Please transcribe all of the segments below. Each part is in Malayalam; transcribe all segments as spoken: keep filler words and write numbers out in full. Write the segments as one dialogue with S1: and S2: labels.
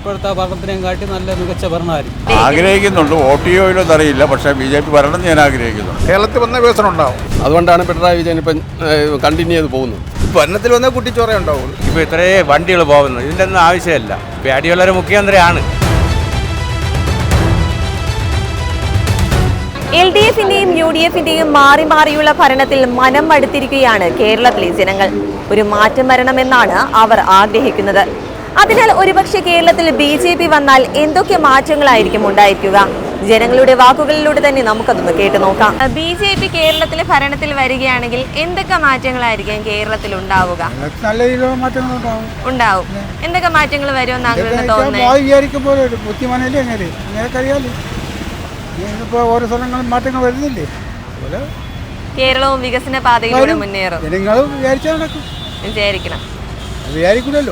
S1: ഇപ്പോഴത്തെ ഭരണത്തിനെയും കാട്ടി നല്ല മികച്ച ഭരണമായിരിക്കും
S2: ആഗ്രഹിക്കുന്നുണ്ട്. വോട്ട് ചെയ്യുമോ അറിയില്ല, പക്ഷേ ബി ജെ പി ഭരണം ഞാൻ ആഗ്രഹിക്കുന്നു.
S3: കേരളത്തിൽ വന്ന വികസനം ഉണ്ടാവും.
S4: അതുകൊണ്ടാണ് പിണറായി വിജയൻ ഇപ്പം കണ്ടിന്യൂ ചെയ്ത് പോകുന്നത്.
S3: ഭരണത്തിൽ വന്ന കുട്ടിച്ചോറ ഉണ്ടാവുള്ളൂ.
S2: ഇപ്പോൾ ഇത്രയും വണ്ടികൾ പോകുന്നു, ഇതിൻ്റെ ഒന്നും ആവശ്യമില്ല. ഇപ്പോൾ അടിയുള്ളൊരു മുഖ്യമന്ത്രിയാണ്.
S5: എൽ ഡി എഫിന്റെയും യു ഡി എഫിന്റെയും മാറി മാറിയുള്ള ഭരണത്തിൽ മനം മടുത്തിരിക്കുകയാണ് കേരളത്തിലെ ജനങ്ങൾ. ഒരു മാറ്റം വരണമെന്നാണ് അവർ ആഗ്രഹിക്കുന്നത്. അതിനാൽ ഒരുപക്ഷെ കേരളത്തിൽ ബി ജെ പി വന്നാൽ എന്തൊക്കെ മാറ്റങ്ങളായിരിക്കും ഉണ്ടായിരിക്കുക? ജനങ്ങളുടെ വാക്കുകളിലൂടെ തന്നെ നമുക്കതൊന്ന് കേട്ടു നോക്കാം. ബി ജെ പി കേരളത്തിലെ ഭരണത്തിൽ വരികയാണെങ്കിൽ എന്തൊക്കെ മാറ്റങ്ങളായിരിക്കും കേരളത്തിൽ ഉണ്ടാവുക?
S3: നല്ല രീതിയിലുള്ള മാറ്റങ്ങൾ ഉണ്ടാവും.
S5: ഉണ്ടാവും. എന്തൊക്കെ മാറ്റങ്ങൾ വരുമെന്ന് അങ്ങനെ തോന്നുന്നത്?
S3: ഇപ്പോൾ ഓരോ സ്ഥലങ്ങളും മാറ്റങ്ങൾ വരുന്നില്ലേ, അതുപോലെ
S5: കേരളവും വികസന പാതയിലൂടെ മുന്നേറും.
S3: ജനങ്ങൾ വിചാരിച്ചാൽ നടക്കും.
S5: വിചാരിക്കണം,
S3: വിചാരിക്കില്ലല്ലോ.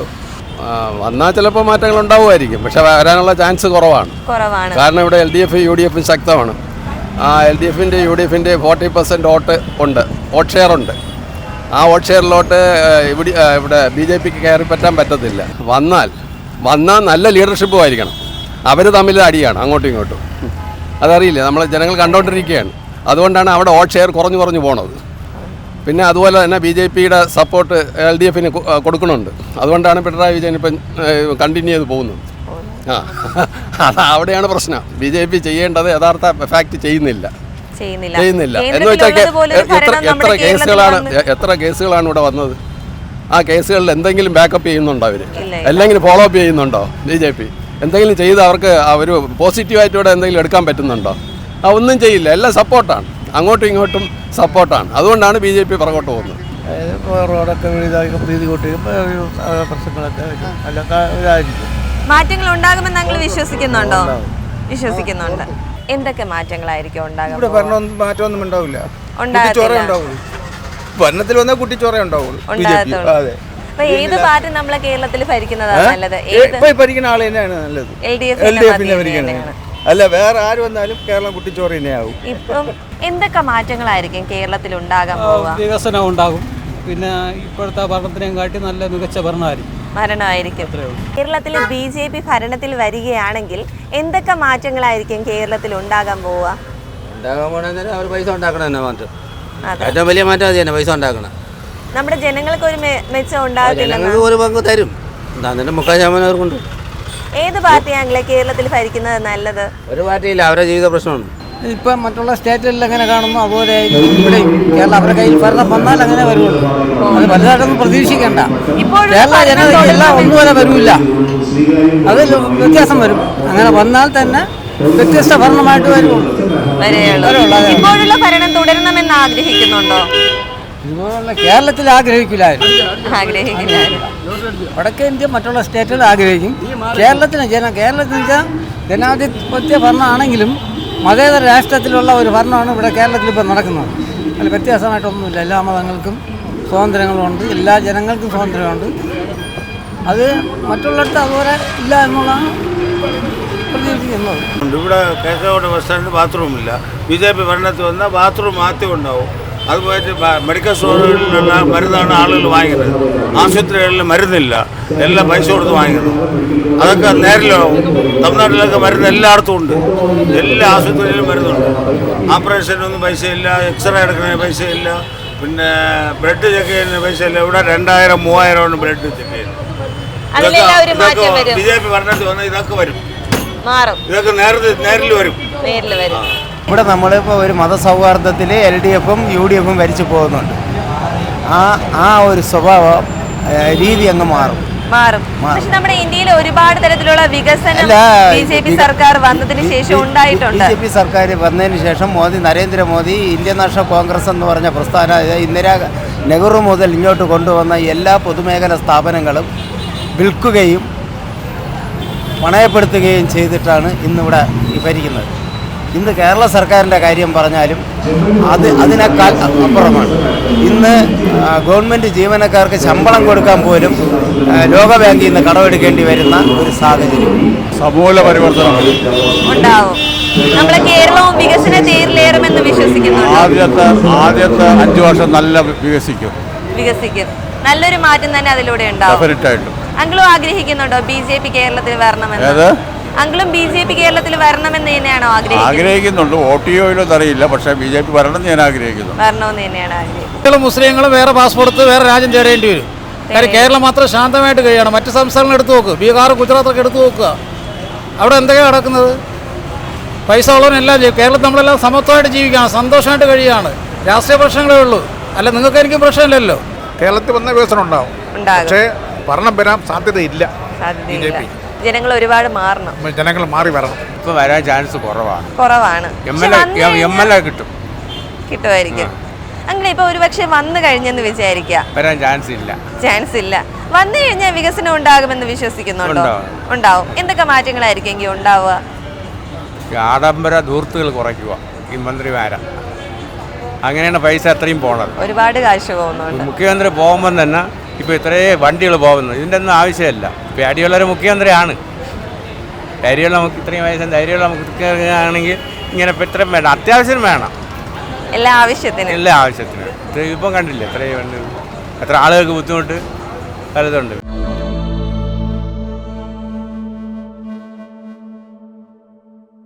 S4: വന്നാൽ ചിലപ്പോൾ മാറ്റങ്ങൾ ഉണ്ടാവുമായിരിക്കും, പക്ഷെ വരാനുള്ള ചാൻസ് കുറവാണ്.
S5: കുറവാണ്.
S4: കാരണം ഇവിടെ L D F U D എഫും ശക്തമാണ്. ആ എൽ ഡി എഫിൻ്റെ യു ഡി എഫിൻ്റെ ഫോർട്ടി പെർസെൻറ്റ് വോട്ട് ഉണ്ട്, വോട്ട് ഷെയർ ഉണ്ട്. ആ വോട്ട് ഷെയറിലോട്ട് ഇവിടെ ഇവിടെ ബി ജെ പിക്ക് കയറി പറ്റാൻ പറ്റത്തില്ല. വന്നാൽ വന്നാൽ നല്ല ലീഡർഷിപ്പും ആയിരിക്കണം. അവർ തമ്മിൽ അടിയാണ് അങ്ങോട്ടും ഇങ്ങോട്ടും. അതറിയില്ല, നമ്മൾ ജനങ്ങൾ കണ്ടുകൊണ്ടിരിക്കുകയാണ്. അതുകൊണ്ടാണ് അവിടെ വോട്ട് ഷെയർ കുറഞ്ഞു കുറഞ്ഞു പോണത്. പിന്നെ അതുപോലെ തന്നെ ബി ജെ പിയുടെ സപ്പോർട്ട് എൽ ഡി എഫിന് കൊടുക്കുന്നുണ്ട്. അതുകൊണ്ടാണ് പിണറായി വിജയൻ ഇപ്പം കണ്ടിന്യൂ ചെയ്ത് പോകുന്നത്. ആ അത് അവിടെയാണ് പ്രശ്നം. ബി ജെ പി ചെയ്യേണ്ടത് യഥാർത്ഥ ഫാക്ട് ചെയ്യുന്നില്ല ചെയ്യുന്നില്ല എന്ന് വെച്ചാൽ എത്ര എത്ര കേസുകളാണ് എത്ര കേസുകളാണ് ഇവിടെ വന്നത്? ആ കേസുകളിൽ എന്തെങ്കിലും ബാക്കപ്പ് ചെയ്യുന്നുണ്ടോ അവർ? അല്ലെങ്കിൽ ഫോളോ അപ്പ് ചെയ്യുന്നുണ്ടോ ബി ജെ പി? എന്തെങ്കിലും ചെയ്ത് അവർക്ക് ഒരു പോസിറ്റീവായിട്ട് ഇവിടെ എന്തെങ്കിലും എടുക്കാൻ പറ്റുന്നുണ്ടോ? ആ ഒന്നും ചെയ്യില്ല. എല്ലാം സപ്പോർട്ടാണ്, അങ്ങോട്ടും ഇങ്ങോട്ടും സപ്പോർട്ടാണ്. അതുകൊണ്ടാണ് ബി ജെ പി പുറകോട്ട് പോകുന്നത്.
S3: റോഡൊക്കെ പ്രീതി കൂട്ടി പ്രശ്നങ്ങളൊക്കെ ഇതായിരിക്കും.
S5: മാറ്റങ്ങൾ ഉണ്ടാകുമെന്ന് നിങ്ങൾ വിശ്വസിക്കുന്നുണ്ടോ? വിശ്വസിക്കുന്നുണ്ട്. എന്തൊക്കെ മാറ്റങ്ങളായിരിക്കും ഉണ്ടാകും?
S3: ഇവിടെ ഭരണം മാറ്റമൊന്നും ഉണ്ടാവില്ല. കുട്ടിച്ചോറ ഉണ്ടാവുള്ളൂ. ഭരണത്തിൽ വന്ന കുട്ടിച്ചോറ ഉണ്ടാവുള്ളൂ. അതെ.
S5: ഏത് പാർട്ടി നമ്മളെ കേരളത്തിൽ ഭരിക്കുന്നതാണ് നല്ലത്?
S3: ഭരിക്കുന്ന ആൾ തന്നെയാണ് നല്ലത്.
S5: എൽ ഡി
S3: എൽ ഡി എഫിനെ ഭരിക്കുന്നത്. അല്ല, വേറെ ആര് വന്നാലും കേരളം കുട്ടിച്ചോറ് തന്നെയാവും.
S5: ഇപ്പം എന്തൊക്കെ മാറ്റങ്ങളായിരിക്കും കേരളത്തിൽ ഉണ്ടാകാൻ പോവുക?
S1: വികസനം ഉണ്ടാകും. പിന്നെ ഇപ്പോഴത്തെ ഭരണത്തിനെയും കാട്ടി നല്ല മികച്ച ഭരണമായിരിക്കും
S5: ഭരണമായിരിക്കും കേരളത്തിൽ ബി ജെ പി ഭരണത്തിൽ വരികയാണെങ്കിൽ എന്തൊക്കെ മാറ്റങ്ങളായിരിക്കും കേരളത്തിൽ ഉണ്ടാകാൻ പോവുക?
S6: ഉണ്ടാകാൻ പോണെന്ന് അവർ പൈസ ഉണ്ടാക്കണം തന്നെ മാറ്റം. ഏറ്റവും വലിയ മാറ്റം അത് തന്നെ, പൈസ ഉണ്ടാക്കണം.
S5: നമ്മുടെ ജനങ്ങൾക്ക് ഒരു മെച്ചം ഉണ്ടാകത്തില്ല.
S6: ഒരു പങ്ക് തരും, എന്നിട്ട് മുക്കാൽ ശതമാനം അവർക്കുണ്ട്.
S5: ഏത് പാർട്ടിയാണെങ്കിലേ കേരളത്തിൽ ഭരിക്കുന്നത് നല്ലത്?
S6: ഒരു പാർട്ടിയില്ല, അവരുടെ ജീവിത പ്രശ്നമാണ്.
S7: ഇപ്പം മറ്റുള്ള സ്റ്റേറ്റുകളിൽ എങ്ങനെ കാണുന്നു അതുപോലെ ഇവിടെ കേരളം അവരുടെ കയ്യിൽ ഭരണം വന്നാൽ അങ്ങനെ വരുള്ളൂ. അത് വലുതായിട്ടൊന്നും പ്രതീക്ഷിക്കണ്ട. കേരള ജനതയ്ക്കെല്ലാം ഒന്നുപോലെ വരില്ല, അത് വ്യത്യാസം വരും. അങ്ങനെ വന്നാൽ തന്നെ വ്യത്യസ്ത ഭരണമായിട്ട് വരുള്ളൂ.
S5: ഇപ്പോഴുള്ള ഭരണം തുടരണമെന്ന് ആഗ്രഹിക്കുന്നുണ്ടോ?
S7: ഇതുപോലുള്ള കേരളത്തിൽ ആഗ്രഹിക്കില്ലായിരുന്നു. വടക്കേ ഇന്ത്യ മറ്റുള്ള സ്റ്റേറ്റുകൾ ആഗ്രഹിക്കും. കേരളത്തിന് ജന കേരളത്തിന് വെച്ചാൽ ജനാധിപത്യ ഭരണമാണെങ്കിലും മതേതര രാഷ്ട്രത്തിലുള്ള ഒരു ഭരണമാണ് ഇവിടെ കേരളത്തിൽ ഇപ്പോൾ നടക്കുന്നത്. അതിൽ വ്യത്യാസമായിട്ടൊന്നുമില്ല. എല്ലാ മതങ്ങൾക്കും സ്വാതന്ത്ര്യങ്ങളുണ്ട്, എല്ലാ ജനങ്ങൾക്കും സ്വാതന്ത്ര്യമുണ്ട്. അത് മറ്റുള്ളിടത്ത് അതുപോലെ ഇല്ല എന്നുള്ളതാണ് പ്രതീക്ഷിക്കുന്നത്.
S8: ഇവിടെ കേസോട് ബസ് സ്റ്റാൻഡിൽ ബാത്റൂമില്ല. ബി ജെ പി ഭരണത്തിൽ വന്നാൽ ബാത്റൂം മാറ്റം ഉണ്ടാവും. അതുപോലെ മെഡിക്കൽ സ്റ്റോറുകളിലുള്ള മരുന്നാണ് ആളുകൾ വാങ്ങിക്കുന്നത്. ആശുപത്രികളിൽ മരുന്നില്ല, എല്ലാം പൈസ കൊടുത്ത് വാങ്ങിക്കുന്നു. അതൊക്കെ നേരിലാവും. തമിഴ്നാട്ടിലൊക്കെ മരുന്ന് എല്ലായിടത്തും ഉണ്ട്, എല്ലാ ആശുപത്രിയിലും മരുന്നുണ്ട്. ഓപ്പറേഷനൊന്നും പൈസയില്ല, എക്സ്റേ എടുക്കുന്നതിന് പൈസയില്ല, പിന്നെ ബ്ലഡ് ചെക്ക് ചെയ്യുന്നതിന് പൈസയില്ല. ഇവിടെ രണ്ടായിരം മൂവായിരമാണ് ബ്ലഡ് ചെക്ക് ചെയ്യുന്നത്. ഇതൊക്കെ ബി ജെ പി ഭരണത്തിൽ വന്നാൽ ഇതൊക്കെ വരും, ഇതൊക്കെ നേരത്തെ നേരിൽ വരും.
S9: ഇവിടെ നമ്മളിപ്പോൾ ഒരു മതസൗഹാർദ്ദത്തിൽ എൽ ഡി എഫും യു ഡി എഫും ഭരിച്ചു പോകുന്നുണ്ട്. ആ ആ ഒരു സ്വഭാവം രീതി അങ്ങ് മാറും
S5: മാറും പക്ഷെ നമ്മുടെ ഇന്ത്യയിൽ ഒരുപാട് തരത്തിലുള്ള വികസനം ബി ജെ പി സർക്കാർ വന്നതിന് ശേഷം ഉണ്ടായിട്ടുണ്ട്.
S9: ബി ജെ പി സർക്കാർ വന്നതിന് ശേഷം Modi Narendra Modi Indian National Congress എന്ന് പറഞ്ഞ പ്രസ്ഥാന ഇന്ദിരാ നെഹ്റു മുതൽ ഇങ്ങോട്ട് കൊണ്ടുവന്ന എല്ലാ പൊതുമേഖലാ സ്ഥാപനങ്ങളും വിൽക്കുകയും പണയപ്പെടുത്തുകയും ചെയ്തിട്ടാണ് ഇന്നിവിടെ ഭരിക്കുന്നത്. ഇന്ന് കേരള സർക്കാരിൻ്റെ കാര്യം പറഞ്ഞാലും അത് അതിനേക്കാൾ അപ്പുറമാണ്. ഇന്ന് ഗവൺമെൻറ് ജീവനക്കാർക്ക് ശമ്പളം കൊടുക്കാൻ പോലും ലോകബാങ്കിൽ നിന്ന് കടമെടുക്കേണ്ടി വരുന്ന ഒരു സാഹചര്യം.
S2: സമൂല പരിവർത്തനം
S5: ഉണ്ടാവും. നമ്മളെ കേരളവും വികസന തേരിലേറുമെന്ന് വിശ്വസിക്കുന്നു.
S2: ആദ്യത്തെ ആദ്യത്തെ അഞ്ചു വർഷം നല്ല വികസിക്കും
S5: വികസിക്കും നല്ലൊരു മാറ്റം തന്നെ അതിലൂടെ ഉണ്ടാവും.
S2: ഡെഫിനറ്റായിട്ടും
S5: അങ്കിളും ആഗ്രഹിക്കുന്നുണ്ടോ ബി ജെ പി കേരളത്തിൽ വരണമെന്ന്? അങ്കിളും ബി ജെ പി കേരളത്തിൽ വരണമെന്ന് തന്നെയാണോ ആഗ്രഹിക്കുന്നത്?
S2: ആഗ്രഹിക്കുന്നുണ്ട്. വോട്ട് ചെയ്യോ അറിയില്ല, പക്ഷേ ബി ജെ പി വരണം ഞാൻ ആഗ്രഹിക്കുന്നു.
S5: വരണമെന്ന് തന്നെയാണ് ആഗ്രഹിക്കുന്നത്.
S1: മുസ്ലിങ്ങളും വേറെ പാസ്പോർട്ട് വേറെ രാജ്യം തേടേണ്ടി വരും. കാര്യം കേരളം മാത്രം ശാന്തമായിട്ട് കഴിയണം. മറ്റ് സംസ്ഥാനങ്ങൾ എടുത്തു നോക്ക്, ബീഹാർ ഗുജറാത്തൊക്കെ എടുത്തു നോക്കുക. അവിടെ എന്തൊക്കെയാണ് നടക്കുന്നത്? പൈസ ഉള്ളവനെല്ലാം ചെയ്യും. കേരളത്തിൽ നമ്മളെല്ലാം സമത്വമായിട്ട് ജീവിക്കുകയാണ്, സന്തോഷമായിട്ട് കഴിയുകയാണ്. രാഷ്ട്രീയ പ്രശ്നങ്ങളേ ഉള്ളൂ, അല്ല നിങ്ങൾക്ക് എനിക്കും പ്രശ്നമില്ലല്ലോ.
S3: കേരളത്തിൽ വന്ന വികസനം ഉണ്ടാവും, പക്ഷേ ഭരണം വരാൻ സാധ്യതയില്ല. ബി ജെ പി
S5: ജനങ്ങൾ ഒരുപാട് മാറണം,
S3: ജനങ്ങൾ മാറി വരണം.
S2: ഇപ്പൊ വരാൻ ചാൻസ് കുറവാണ്.
S5: കുറവാണ്.
S2: എം എൽ എ കിട്ടും,
S5: കിട്ടുമായിരിക്കും. അങ്ങനെ ഇപ്പൊ ഒരുപക്ഷെ വന്നു കഴിഞ്ഞെന്ന് വിചാരിക്കുക,
S2: വരാൻ ചാൻസ് ഇല്ല.
S5: ചാൻസ് ഇല്ല. വന്നു കഴിഞ്ഞാൽ വികസനം ഉണ്ടാകുമെന്ന് വിശ്വസിക്കുന്നുണ്ടോ? ഉണ്ടാവും. എന്തൊക്കെ മാറ്റങ്ങളായിരിക്കും എങ്കിൽ ഉണ്ടാവുക?
S2: ആഡംബര ധൂർത്തുകൾ കുറയ്ക്കുക ഈ മന്ത്രിമാരാ. അങ്ങനെയാണ് പൈസ അത്രയും പോണത്.
S5: ഒരുപാട് കാശ് പോകുന്നുണ്ട്.
S2: മുഖ്യമന്ത്രി പോകുമ്പം തന്നെ ഇപ്പോൾ ഇത്രയും വണ്ടികൾ പോകുന്നത് ഇതിൻ്റെ ഒന്നും ആവശ്യമില്ല. പേടിയുള്ളൊരു മുഖ്യമന്ത്രിയാണ്. ധൈര്യമുള്ള നമുക്ക് ഇത്രയും വയസ്സും ധൈര്യമുള്ള മുഖ്യമന്ത്രിയാണെങ്കിൽ ഇങ്ങനെ ഇപ്പം ഇത്രയും വേണം, അത്യാവശ്യം വേണം,
S5: എല്ലാ ആവശ്യത്തിനും
S2: എല്ലാ ആവശ്യത്തിനും. ഇപ്പം കണ്ടില്ലേ ഇത്രയും എത്ര ആളുകൾക്ക് ബുദ്ധിമുട്ട് പലതുണ്ട്.